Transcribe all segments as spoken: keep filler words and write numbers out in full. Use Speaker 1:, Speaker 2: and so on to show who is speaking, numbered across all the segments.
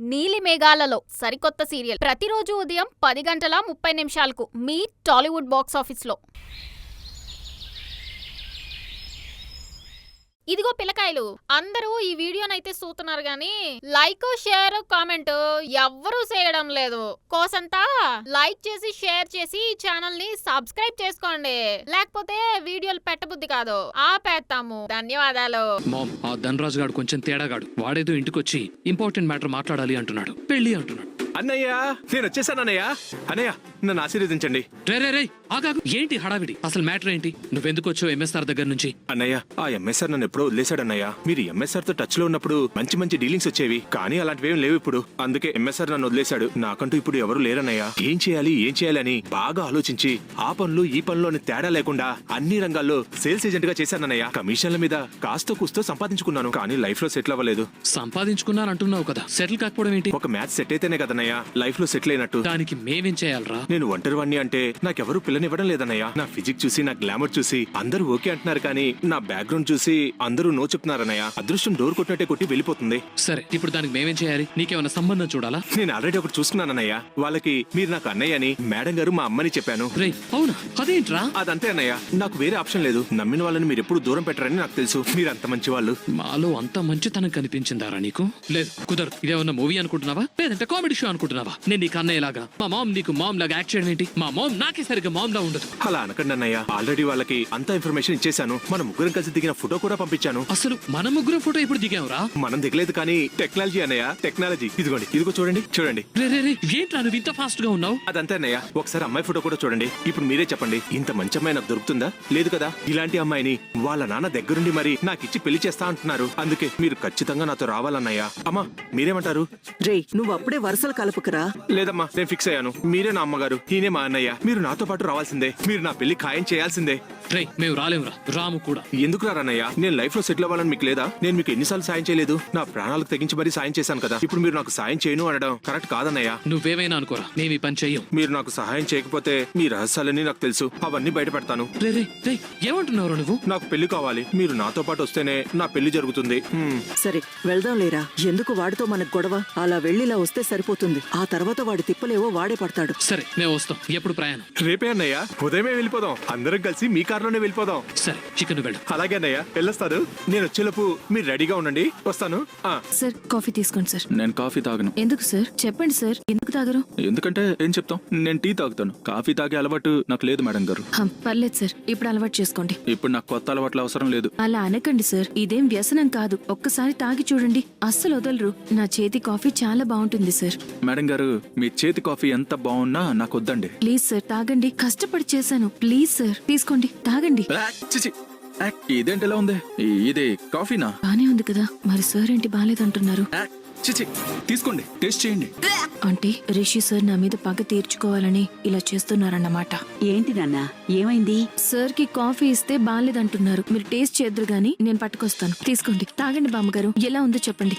Speaker 1: నీలి మేఘాలలో సరికొత్త సీరియల్ ప్రతిరోజు ఉదయం పది గంటల ముప్పై నిమిషాలకు మీ టాలీవుడ్ బాక్స్ ఆఫీస్లో. ఇదిగో పిల్లకాయలు, అందరూ ఈ వీడియోనైతే చూస్తున్నారు గాని లైక్ షేర్ కామెంట్ ఎవ్వరూ చేయడం లేదు. కోసంతా లైక్ చేసి షేర్ చేసి ఈ ఛానల్ ని సబ్స్క్రైబ్ చేసుకోండి, లేకపోతే వీడియోలు పెట్టబుద్ధి కాదు, ఆపేస్తాము. ధన్యవాదాలు.
Speaker 2: మామ్, ఆ ధనరాజు గాడు కొంచెం తేడాగాడు. వాడేదో ఇంటికొచ్చి ఇంపార్టెంట్ మ్యాటర్ మాట్లాడాలి అంటున్నాడు, పెళ్లి అంటున్నాడు.
Speaker 3: అన్నయ్య, నేను వచ్చేసాను అన్నయ్య. అన్నయ్య, నన్ను ఆశీర్వదించండి.
Speaker 2: రే రే రే ఆగాగు, ఏంటి హడావిడి? అసలు మ్యాటర్ ఏంటి? నువ్వెందుకు వచ్చావు ఎంఎస్ఆర్ దగ్గర నుంచి?
Speaker 3: అన్నయ్య, ఆ ఎంఎస్ఆర్ నన్ను ఎప్పుడో వదిలేశాడన్నయ్య. మీరు ఎంఎస్ఆర్ తో టచ్ లో ఉన్నప్పుడు మంచి మంచి డీలింగ్స్ వచ్చేవి, కానీ అలాంటివేం లేవు ఇప్పుడు. అందుకే ఎంఎస్ఆర్ నన్ను వదిలేశాడు. నాకంటూ ఇప్పుడు ఎవరు లేరన్నయ్య. ఏం చేయాలి ఏం చేయాలని బాగా ఆలోచించి ఆ పనులు ఈ పనులు తేడా లేకుండా అన్ని రంగాల్లో సేల్స్ ఏజెంట్ గా చేశానన్నయ్య. కమిషన్ల మీద కాస్త కూస్తో సంపాదించుకున్నాను, కానీ లైఫ్ లో సెటిల్ అవ్వలేదు.
Speaker 2: సంపాదించుకున్నాను అంటున్నావు కదా, సెటిల్ కాకపోవడం ఏంటి?
Speaker 3: ఒక మ్యాచ్ సెట్ అయితేనే కదన్నయ్య లైఫ్ లో సెటిల్ అయినట్టు.
Speaker 2: దానికి మేమేం చేయాలరా?
Speaker 3: నేను ఒంటరి వాణ్ణి అంటే నాకెవరూ పిల్లనివ్వడం లేదన్నయ్య. నా ఫిజిక్ చూసి నా గ్లామర్ చూసి అందరూ ఓకే అంటున్నారు, కానీ నా బ్యాక్గ్రౌండ్ చూసి అందరూ నో చెప్తున్నారన్నయ్య. అదృష్టం డోర్ కొట్టినట్టే కొట్టి వెళ్ళిపోతుంది.
Speaker 2: సరే, ఇప్పుడు దానికి మేమేం చేయాలి? నీకేమైనా సంబంధం చూడాలా?
Speaker 3: నేను ఆల్రెడీ ఒకటి చూసుకున్నానన్నయ్య. వాళ్ళకి మీరు నాకు అన్నయ్య అని మేడం గారు మా అమ్మని చెప్పాను.
Speaker 2: రే అవునా? అదేంట్రా?
Speaker 3: అదంతే అన్నయ్య, నాకు వేరే ఆప్షన్ లేదు. నమ్మిన వాళ్ళని మీరు ఎప్పుడు దూరం పెట్టరని నాకు తెలుసు. మీరు అంత మంచి వాళ్ళు.
Speaker 2: మాలో అంత మంచితనం కనిపించిందారా నీకు? లేదు, కుదరదు. ఇదేమన్నా మూవీ అనుకుంటున్నావా, లేదంటే కామెడీ షో అనుకుంటున్నావా? నేను నీకు అన్నయ్యలాగా, మా మామ్ నీకు మామ్ లాగా యాక్ట్ చేయడం ఏంటి? మా మామ్ నాకే సరిగ్గా మామ్ లా ఉండదు.
Speaker 3: అలా అనకండి అన్నయ్య. ఆల్రెడీ వాళ్ళకి అంత ఇన్ఫర్మేషన్ ఇచ్చేసాను. మన ముగ్గురం కలిసి దిగిన ఫోటో కూడా పంపించాను.
Speaker 2: అసలు మన ముగ్గురం ఫోటో ఇప్పుడు దిగావురా?
Speaker 3: మనం దిగలేదు, కానీ టెక్నాలజీ అన్నయ్య, టెక్నాలజీ. ఇదిగోండి, ఇదిగో చూడండి చూడండి.
Speaker 2: రే రే రే ఏంట్రా నువ్వు ఇంత ఫాస్ట్ గా ఉన్నావు?
Speaker 3: అదంతే అన్నయ్య. ఒకసారి అమ్మాయి ఫోటో కూడా చూడండి. ఇప్పుడు మీరే చెప్పండి, ఇంత మంచి అమ్మాయి నాకు దొరుకుతుందా? లేదు కదా. ఇలాంటి అమ్మాయిని వాళ్ళ నాన్న దగ్గరుండి మరి నాకు ఇచ్చి పెళ్లి చేస్తా అంటున్నారు. అందుకే మీరు ఖచ్చితంగా నాతో రావాలన్నయ్య. అమ్మా, మీరేమంటారు?
Speaker 4: రే, నువ్వు అప్పుడే వరుసలు కలుపుకురా.
Speaker 3: లేదమ్మా, నేను ఫిక్స్ అయ్యాను. మీరే నా అమ్మగారు, ఈయనే మా అన్నయ్య. మీరు నాతో పాటు రావాల్సిందే. మీరు నా పెళ్లి ఖాయం చేయాల్సిందే.
Speaker 2: రే మేము రాలేమురా, రాము కూడా.
Speaker 3: ఎందుకు రారన్నయ్య? నేను లైఫ్ లో సెటిల్ అవ్వాలని మీకు లేదా? నేను మీకు ఎన్నిసార్లు సాయం చేయలేదు? నా ప్రాణాలకు తెగించి మరీ సాయం చేశాను కదా. ఇప్పుడు మీరు నాకు సాయం చేయను అనడం కరెక్ట్ కాదన్నయ్య.
Speaker 2: నువ్వేమైనా అనుకోరా, మేము ఈ పని చెయ్యం.
Speaker 3: మీరు నాకు సహాయం చేయకపోతే మీ రహస్యాలన్నీ నాకు తెలుసు, అవన్నీ బయట పెడతాను.
Speaker 2: రే రే రే ఏమంటున్నావు నువ్వు?
Speaker 3: నాకు పెళ్లి కావాలి. మీరు నాతో పాటు వస్తేనే నా పెళ్లి జరుగుతుంది.
Speaker 4: సరే, వెళ్దాం లేరా. ఎందుకు వాడితో మనకు గొడవ? అలా వెళ్ళిలా వస్తే సరిపోతుంది. ఆ తర్వాత వాడి తిప్పలేవో వాడే పడతాడు.
Speaker 2: సరే, మేము వస్తాం. ఎప్పుడు ప్రయాణం?
Speaker 3: రేపే అన్నయ్య, ఉదయమే వెళ్ళిపోదాం. అందరం కలిసి మీ కారులోనే వెళ్ళిపోదాం.
Speaker 2: సరే, చికెన్ వెళ్ళు.
Speaker 3: అలాగే అన్నయ్య, వెళ్ళొస్తాను. నేను వచ్చేలోపు మీరు రెడీగా ఉండండి, వస్తాను.
Speaker 5: సార్, కాఫీ తీసుకోండి సార్.
Speaker 6: నేను కాఫీ తాగను.
Speaker 5: ఎందుకు సార్? చెప్పండి సార్, ఎందుకు తాగరు?
Speaker 6: ఎందుకంటే ఏం చెప్తాం, నేను టీ తాగుతాను. కాఫీ తాగే అలవాటు నాకు లేదు మేడం గారు.
Speaker 5: హం, పర్లేదు సార్, ఇప్పుడు అలవాటు చేసుకోండి.
Speaker 6: ఇప్పుడు నాకు కొత్త అలవాట్లు అవసరం లేదు.
Speaker 5: అలా అనకండి సార్, ఇదేం వ్యసనం కాదు. ఒక్కసారి తాగి చూడండి, అస్సలు వదలరు. నా చేతి కాఫీ చాలా బాగుంటుంది సార్.
Speaker 6: మేడం గారు, మీ చేతి కాఫీ ఎంత బాగున్నా నాకు వద్దండి.
Speaker 5: ప్లీజ్ సార్, తాగండి. కష్టపడి చేశాను. ప్లీజ్ సార్, తీసుకోండి, తాగండి.
Speaker 6: ఆ, చిచి. ఆ, ఇదేంటి ఎలా ఉంది? ఈ- ఇది కాఫీనా?
Speaker 5: బానే ఉంది కదా. మరి సార్ ఏంటి బాలేదంటున్నారు?
Speaker 6: ఆ, చిచి, తీసుకోండి, టేస్ట్ చేయండి.
Speaker 5: అంటే రిషి సార్ నా మీద పగ తీర్చుకోవాలని ఇలా చేస్తున్నారన్నమాట.
Speaker 4: ఏంటి నాన్న, ఏమైంది?
Speaker 5: సార్ కి కాఫీ ఇస్తే బాలేదంటున్నారు. మీరు టేస్ట్ చేద్దరు గానీ నేను పట్టుకొస్తాను. తీసుకోండి, తాగండి బామ్మగారు. ఎలా ఉందో చెప్పండి.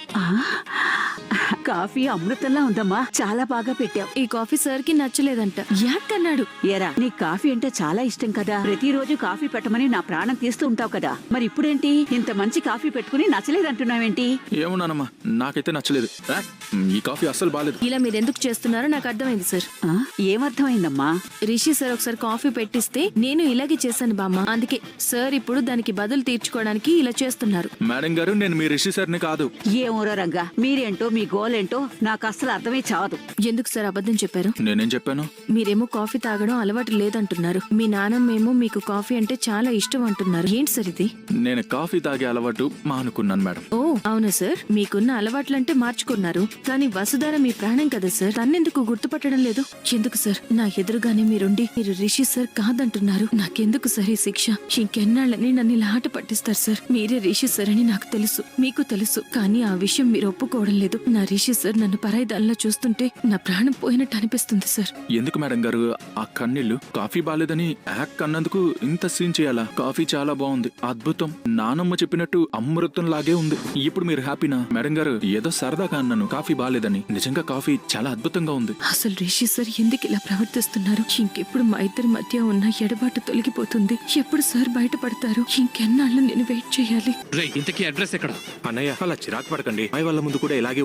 Speaker 7: కాఫీ అమృతంలా ఉందమ్మా, చాలా బాగా పెట్టావు.
Speaker 5: ఈ కాఫీ సార్ కి నచ్చలేదంట. యాకన్నాడు.
Speaker 7: ఏరా, నీ కాఫీ అంటే చాలా ఇష్టం కదా. ప్రతిరోజు కాఫీ పెట్టమని నా ప్రాణం తీస్తూ ఉంటావు కదా. మరి ఇప్పుడేంటి ఇంత మంచి కాఫీ పెట్టుకుని నచ్చలేదంటున్నావేంటి?
Speaker 6: ఏమున్నానమ్మా, నాకైతే నచ్చలేదు. ఆ, ఈ కాఫీ అస్సలు బాలేదు.
Speaker 5: ఇలా మీరు ఎందుకు చేస్తున్నారో నాకు అర్థమైంది సార్.
Speaker 7: ఆ, ఏమర్థమైందమ్మా?
Speaker 5: రిషి సార్ ఒకసారి కాఫీ పెట్టిస్తే నేను ఇలాగే చేశాను బామ్మ. అందుకే సార్ ఇప్పుడు దానికి బదులు తీర్చుకోవడానికి ఇలా చేస్తున్నారు.
Speaker 6: మేడం గారు, నేను మీ రిషి సార్ని కాదు.
Speaker 7: ఏమోరా రంగా, మీరేంటో మీ గోలేంటో నాకు అస్సలు అర్థమే చావదు.
Speaker 5: ఎందుకు సార్ అబద్ధం చెప్పారు?
Speaker 6: నేనేం చెప్పాను?
Speaker 5: మీరేమో కాఫీ తాగడం అలవాటు లేదంటున్నారు. మీ నాన్నమ్మేమో మీకు కాఫీ అంటే చాలా ఇష్టం అంటున్నారు. ఏంటి సార్ ఇది?
Speaker 6: నేను కాఫీ తాగే అలవాటు మానుకున్నాను మేడం.
Speaker 5: ఓ అవునా సార్, మీకున్న అలవాట్లంటే మార్చుకున్నారు. కానీ వసుధార మీ ప్రాణం కదా సార్, తన్నెందుకు గుర్తుపట్టడం లేదు? ఎందుకు సార్ నా ఎదురుగానే మీరుండి మీరు రిషి సార్ కాదంటున్నారు? నాకెందుకు సార్ ఈ శిక్ష? ఇంకెన్నాళ్ళని నన్ను ఇలా ఆట పట్టిస్తారు సార్? మీరే రిషి సార్ అని నాకు తెలుసు, మీకు తెలుసు, కానీ ఆ విషయం మీరు ఒప్పుకోవడం లేదు. నా రిషి సార్ నన్ను పరాయిదానిలా చూస్తుంటే నా ప్రాణం పోయినట్టు అనిపిస్తుంది సార్.
Speaker 6: ఎందుకు మేడం గారు ఆ కన్నీళ్లు? కాఫీ బాలేదని యాక్ అన్నందుకు ఇంత సీన్ చేయాలా? కాఫీ చాలా బాగుంది, అద్భుతం. నానమ్మ చెప్పినట్టు అమృతం లాగే ఉంది. ఇప్పుడు మీరు హ్యాపీనా? మేడం గారు, ఏదో సరదాగా అన్నాను కాఫీ బాలేదని. నిజంగా కాఫీ చాలా అద్భుతంగా ఉంది.
Speaker 5: అసలు రిషి సార్ ఎందుకు ఇలా ప్రవర్తిస్తున్నారు? ఇంకెప్పుడు మా ఇద్దరి మధ్య ఉన్న ఎడబాటు తొలగిపోతుంది? ఎప్పుడు సార్ బయటపడతారు? ఇంకెన్నాళ్ళు నేను వెయిట్ చేయాలి?
Speaker 2: రే, ఇంతకీ అడ్రస్ ఎక్కడ?
Speaker 3: అన్నయ్య, అలా చిరాకు పడకండి. అమ్మాయి వాళ్ళ ముందు కూడా ఇలాగే ఉంటే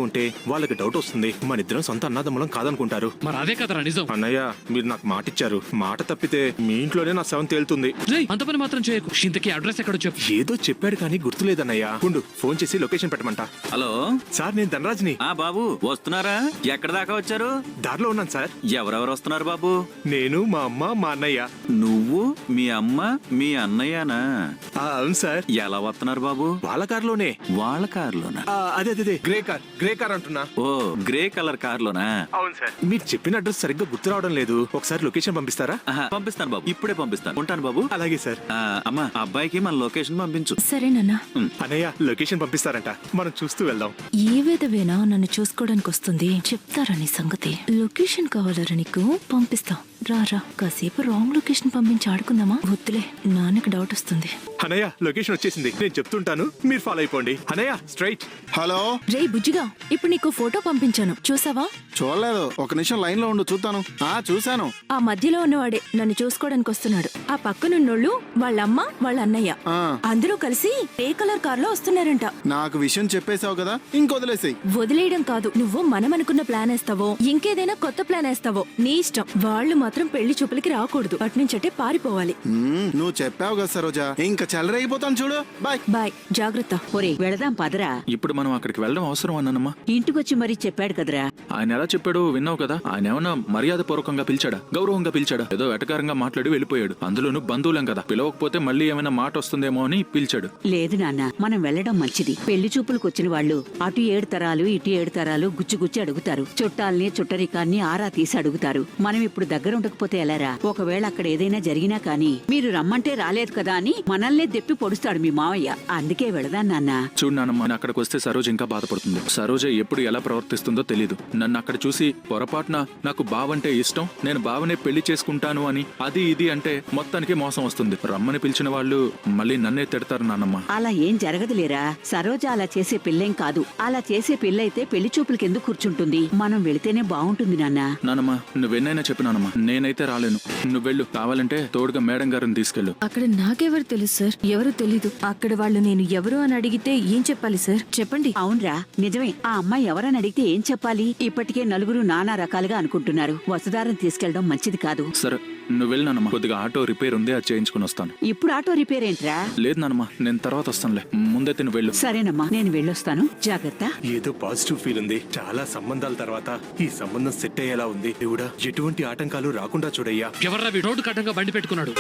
Speaker 3: వాళ్ళకి డౌట్ వస్తుంది మన ఇద్దరం సొంత అన్నదమ్ములం కాదనుకుంటారు.
Speaker 2: మరి అదే కదరా నిజం.
Speaker 3: అన్నయ్య మీరు నాకు మాట ఇచ్చారు, మాట తప్పితే మీ ఇంట్లోనే నా శవం తేలుతుంది.
Speaker 2: రేయ్, అంత పని మాత్రం చేయకు. ఇంతకీ అడ్రస్ ఎక్కడో చెప్పు.
Speaker 3: ఏదో చెప్పాడు కానీ గుర్తులేదన్నయ్య. ఉండు ఫోన్ చేసి లొకేషన్ పెట్టమంట.
Speaker 8: హలో
Speaker 3: సార్ నేను ధనరాజ్ని.
Speaker 8: ఆ బాబు వస్తున్నారా? ఎక్కడ దాకా వచ్చారు?
Speaker 3: దారిలో ఉన్నాను సార్.
Speaker 8: ఎవరెవరు వస్తున్నారు బాబు?
Speaker 3: నేను, మా అమ్మ, మా అన్నయ్య.
Speaker 8: నువ్వు, మీ అమ్మ, మీ అన్నయ్యనా?
Speaker 3: ఆ, అవును సార్.
Speaker 8: ఎలా వస్తున్నారు బాబు?
Speaker 3: వాళ్ళ కారులోనే.
Speaker 8: వాళ్ళ కారులోనా?
Speaker 3: ఆ, అదే అదే అదే, గ్రే కార్ గ్రే కార్ అంటున్నా.
Speaker 8: ఓ గ్రే కలర్ కారులోనా?
Speaker 3: అవును సార్. మీరు చెప్పిన అడ్రస్ సరిగ్గా గుర్తు రావడం లేదు, ఒకసారి లొకేషన్ పంపిస్తారా?
Speaker 8: ఆహా, పంపిస్తాను బాబు, ఇప్పుడే పంపిస్తాను. ఉంటాను బాబు.
Speaker 3: అలాగే సార్.
Speaker 8: ఆ, అమ్మా అబ్బాయికి మన లొకేషన్ పంపించు.
Speaker 5: సరేనన్నా.
Speaker 3: అన్నయ్య లొకేషన్ పంపిస్తారంట, మనం చూస్తూ వెళ్దాం.
Speaker 5: ఏ విధవేనా నన్ను చూసుకోవడానికి వస్తుంది, చెప్తారా నీ సంగతి. లొకేషన్ కావాలరా నీకు? పంపిస్తా, రారా. కాసేపు రాంగ్ లొకేషన్ పంపించి ఆడుకుందామా? వద్దులే, నాన్నకి డౌట్ వస్తుంది.
Speaker 3: అన్నయ్య లొకేషన్ వచ్చేసింది, నేను చెప్తుంటాను, మీరు ఫాలో అయిపోండి. అన్నయ్య స్ట్రైట్.
Speaker 9: హలో
Speaker 5: రే బుజ్జిగా, ఇప్పుడు నీకు ఫోటో పంపించాను, చూసావా?
Speaker 9: చూడలేదు, ఒక నిమిషం లైన్ లో ఉండు, చూస్తాను. ఆ చూశాను.
Speaker 5: ఆ మధ్యలో ఉన్నవాడే నన్ను చూసుకోవడానికి వస్తున్నాడు. ఆ పక్కనున్నోళ్ళు వాళ్ళమ్మ వాళ్ళ అన్నయ్య
Speaker 9: ఆ,
Speaker 5: అందరూ కలిసి ఏ కలర్ కార్ లో వస్తున్నారంట.
Speaker 9: నాకు విషయం చెప్పేశావు కదా, ఇంకొదిలేసాయి.
Speaker 5: వదిలేయడం కాదు, నువ్వు మనం అనుకున్న ప్లాన్ వేస్తావో ఇంకేదైనా కొత్త ప్లాన్ వేస్తావో నీ ఇష్టం. వాళ్ళు మాత్రం పెళ్లి చూపులకి రాకూడదు, అట్నుంచటే పారిపోవాలి.
Speaker 9: నువ్వు చెప్పావు కదా సరోజా, ఇంకా చెలరైపోతాను చూడు. బాయ్
Speaker 5: బాయ్, జాగ్రత్త.
Speaker 7: ఒరే వెళదాం పదరా.
Speaker 6: ఇప్పుడు మనం అక్కడికి వెళ్ళడం అవసరం అన్నానమ్మా.
Speaker 7: ఇంటికొచ్చి మరీ చెప్పాడు కదరా.
Speaker 6: ఆయన ఎలా చెప్పాడో విన్నావు కదా. ఆయన ఏమన్నా మర్యాద పూర్వకంగా పిలిచాడా, గౌరవంగా పిలిచాడా? ఏదో వెటకారంగా మాట్లాడి వెళ్ళిపోయాడు. అందులోనూ బంధువులం కదా, పిలవకపోతే మళ్ళీ ఏమైనా మాట వస్తుందేమో అని పిలిచాడు.
Speaker 7: లేదు నాన్న, మనం వెళ్ళడం మంచిది. పెళ్లి చూపులకు వచ్చిన వాళ్ళు అటు ఏడు తరాలు ఇటు ఏడు తరాలు గుచ్చి గుచ్చి అడుగుతారు. చుట్టాల్ని చుట్టరికాన్ని ఆరా తీసి అడుగుతారు. మనం ఇప్పుడు దగ్గర ఉండకపోతే ఎలారా? ఒకవేళ అక్కడ ఏదైనా జరిగినా కానీ మీరు రమ్మంటే రాలేదు కదా అని మనల్నే దెప్పి పొడుస్తాడు మీ మావయ్య. అందుకే వెళదాం నాన్న.
Speaker 6: చూడు నాన్నమ్మ, నేను అక్కడికి వస్తే సరోజ ఇంకా బాధపడుతుంది. సరోజ ఎప్పుడు ఎలా ప్రవర్తిస్తుందో తెలీదు. నన్ను అక్కడ చూసి పొరపాటున నాకు బావంటే ఇష్టం, నేను బావనే పెళ్లి చేసుకుంటాను అని అది ఇది అంటే మొత్తానికి మోసం వస్తుంది. రమ్మని పిలిచిన వాళ్ళు మళ్ళీ నన్నే తిడతారు నాన్నమ్మ.
Speaker 7: అలా ఏం జరగదులేరా. సరోజ అలా చేసే పిల్లేం కాదు. అలా చేసే పిల్లయితే పెళ్లి చూపులకి ఎందుకు కూర్చుంటుంది? మనం వెళితేనే బాగుంటుంది నాన్న.
Speaker 6: నానమ్మా నువ్వెన్నైనా చెప్పు నానమ్మా, నేనైతే రాలేను. నువ్వు వెళ్ళు, కావాలంటే తోడుగా మేడం గారిని తీసుకెళ్ళు.
Speaker 5: అక్కడ నాకెవరు తెలుసు సార్? ఎవరు తెలీదు. అక్కడ వాళ్ళు నేను ఎవరు అని అడిగితే ఏం చెప్పాలి సార్? చెప్పండి.
Speaker 7: అవునరా, నిజమే. ఆ అమ్మాయి ఎవరని అడిగితే ఏం చెప్పాలి? ఇప్పటికే నలుగురు నానా రకాలుగా అనుకుంటున్నారు. వసుధారం తీసుకెళ్లడం మంచిది కాదు.
Speaker 6: సరే నువ్వు వెళ్ళు నానమ్మా, కొద్దిగా ఆటో రిపేర్ ఉంది, అది చేయించుకుని వస్తాను.
Speaker 7: ఇప్పుడు ఆటో రిపేర్ ఏంట్రా?
Speaker 6: లేదు నానమ్మా, నేను తర్వాత వస్తానులే, ముందైతే నువ్వు వెళ్ళు.
Speaker 7: సరేనమ్మా, నేను వెళ్ళొస్తాను. జాగ్రత్త.
Speaker 3: ఏదో పాజిటివ్ ఫీల్ ఉంది. చాలా సంబంధాల తర్వాత ఈ సంబంధం సెట్ అయ్యేలా ఉంది. దేవుడా, ఎటువంటి ఆటంకాలు రాకుండా చూడయ్యా.
Speaker 2: ఎవర్రా వీడు రోడ్డు కట్టంగా బండి పెట్టుకున్నాడు?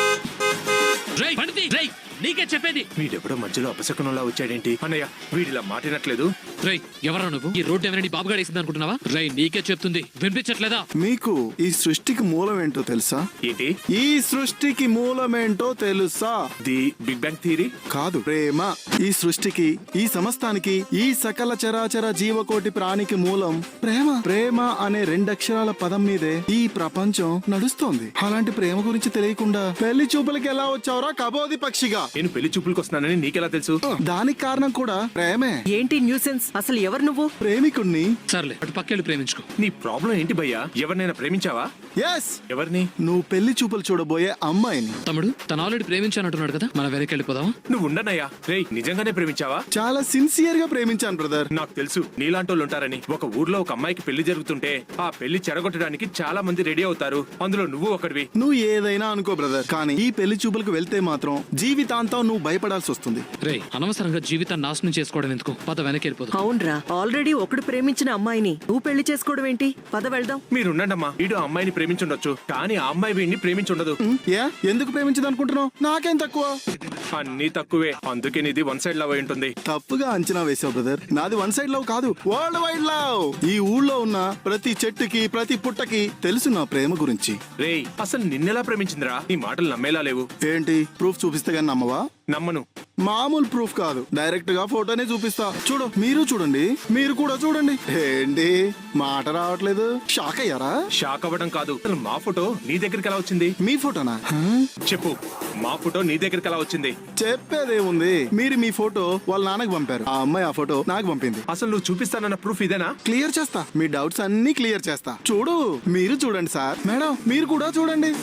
Speaker 2: రేయ్, బండి తీ. రేయ్, నీకే చెప్పేది.
Speaker 3: వీడెవడో మధ్యలో అపశకునంలా వచ్చాడేంటి? అన్నయ్య వీడిలా మాటినట్లేదు.
Speaker 2: రేయ్, ఎవరా నువ్వు? ఈ రోడ్డు ఎవరైనా బాబుగాడు వేసింది అనుకుంటున్నావా? రేయ్, నీకే చెప్తుంది, వినిపించట్లేదా?
Speaker 9: మీకు ఈ సృష్టికి మూలమేంటో తెలుసా?
Speaker 3: ఏంటి?
Speaker 9: ఈ సృష్టికి మూలమేంటో తెలుసా?
Speaker 3: The big bang theory?
Speaker 9: కాదు, ప్రేమ. ఈ సృష్టికి, ఈ సమస్తానికి, ఈ సకల చరాచర జీవకోటి ప్రాణికి మూలం ప్రేమ. ప్రేమ అనే రెండక్షరాల పదం మీదే ఈ ప్రపంచం నడుస్తోంది. అలాంటి ప్రేమ గురించి తెలియకుండా పెళ్లి చూపులకి ఎలా వచ్చావురా కబోది పక్షిగా?
Speaker 3: నేను పెళ్లి చూపులకు వస్తున్నానని నీకెలా తెలుసు?
Speaker 9: దానికి కారణం కూడా ప్రేమే.
Speaker 4: ఏంటి న్యూసెన్స్? అసలు ఎవరు నువ్వు?
Speaker 9: ప్రేమికుణ్ణి.
Speaker 2: సర్లే, అటు పక్కెళ్ళి ప్రేమించుకో.
Speaker 3: నీ ప్రాబ్లం ఏంటి భయ్యా? ఎవరినైనా ప్రేమించావా?
Speaker 9: ఎస్,
Speaker 3: ఎవరిని?
Speaker 9: నువ్వు పెళ్లి చూపులు చూడబోయే అమ్మాయిని.
Speaker 2: తమ్ముడు, తను ఆల్రెడీ ప్రేమించానంటున్నాడు కదా, మనం వెనక్కి వెళ్ళిపోదామా?
Speaker 3: నువ్వు ఉండనయ్యా. రేయ్, నిజంగానే ప్రేమించావా?
Speaker 9: చాలా సిన్సియర్ గా ప్రేమించాను బ్రదర్.
Speaker 3: నాకు తెలుసు నీలాంటోళ్ళు ఉంటారని. ఒక ఊర్లో ఒక అమ్మాయికి పెళ్లి జరుగుతుంటే ఆ పెళ్లి చెడగొట్టడానికి చాలా మంది రెడీ అవుతారు. అందులో నువ్వు ఒకటివి.
Speaker 9: నువ్వు ఏదైనా అనుకో బ్రదర్, కానీ ఈ పెళ్లి చూపులకు వెళ్తే మాత్రం జీవితాంతం నువ్వు భయపడాల్సి వస్తుంది.
Speaker 2: రేయ్, అనవసరంగా జీవితాన్ని నాశనం చేసుకోవడం ఎందుకు? పద వెనక్కి వెళ్ళిపోదాం.
Speaker 4: అవునరా, ఆల్రెడీ ఒకడు ప్రేమించిన అమ్మాయిని నువ్వు పెళ్లి చేసుకోవడం ఏంటి? పద వెళ్దాం.
Speaker 3: మీరుండమ్మా. వీడు ఆ అమ్మాయిని ప్రేమించుండొచ్చు, కానీ ఆ అమ్మాయి వీడిని ప్రేమించుండదు.
Speaker 9: ఏ ఎందుకు ప్రేమించదు అనుకుంటున్నావు? నాకేం తక్కువ?
Speaker 3: అన్ని తక్కువే, అందుకే నీది వన్ సైడ్ లవ్ అయి ఉంటుంది.
Speaker 9: తప్పుగా అంచనా వేసావు బ్రదర్. నాది వన్ సైడ్ లవ్ కాదు, వరల్డ్ వైడ్ లవ్. ఈ ఊళ్ళో ఉన్న ప్రతి చెట్టుకి ప్రతి పుట్టకి తెలుసు నా ప్రేమ గురించి.
Speaker 3: రేయ్, అసలు నిన్నెలా ప్రేమించిందిరా? నీ మాటలు నమ్మేలా లేవు.
Speaker 9: ఏంటి ప్రూఫ్ చూపిస్తే గానీ నమ్మవా?
Speaker 3: నమ్మను.
Speaker 9: మామూలు ప్రూఫ్ కాదు, డైరెక్ట్ గా ఫోటోనే చూపిస్తా. చూడు, మీరు చూడండి, మీరు కూడా చూడండి. ఏంటి మాట రావట్లేదు? షాక్ అయ్యారా?
Speaker 3: షాక్ అవ్వడం కాదు, అసలు మా ఫోటో నీ దగ్గరికి ఎలా వచ్చింది?
Speaker 9: మీ ఫోటోనా?
Speaker 3: చెప్పు, మా ఫోటో నీ దగ్గరికి ఎలా వచ్చింది?
Speaker 9: చెప్పేదేముంది, మీరు మీ ఫోటో వాళ్ళ నాన్నకి పంపారు, ఆ అమ్మాయి ఆ ఫోటో నాకు పంపింది.
Speaker 3: అసలు నువ్వు చూపిస్తానన్న ప్రూఫ్ ఇదేనా?
Speaker 9: క్లియర్ చేస్తా, మీ డౌట్స్ అన్ని క్లియర్ చేస్తా. చూడు, మీరు చూడండి సార్. మేడం మీరు కూడా చూడండి.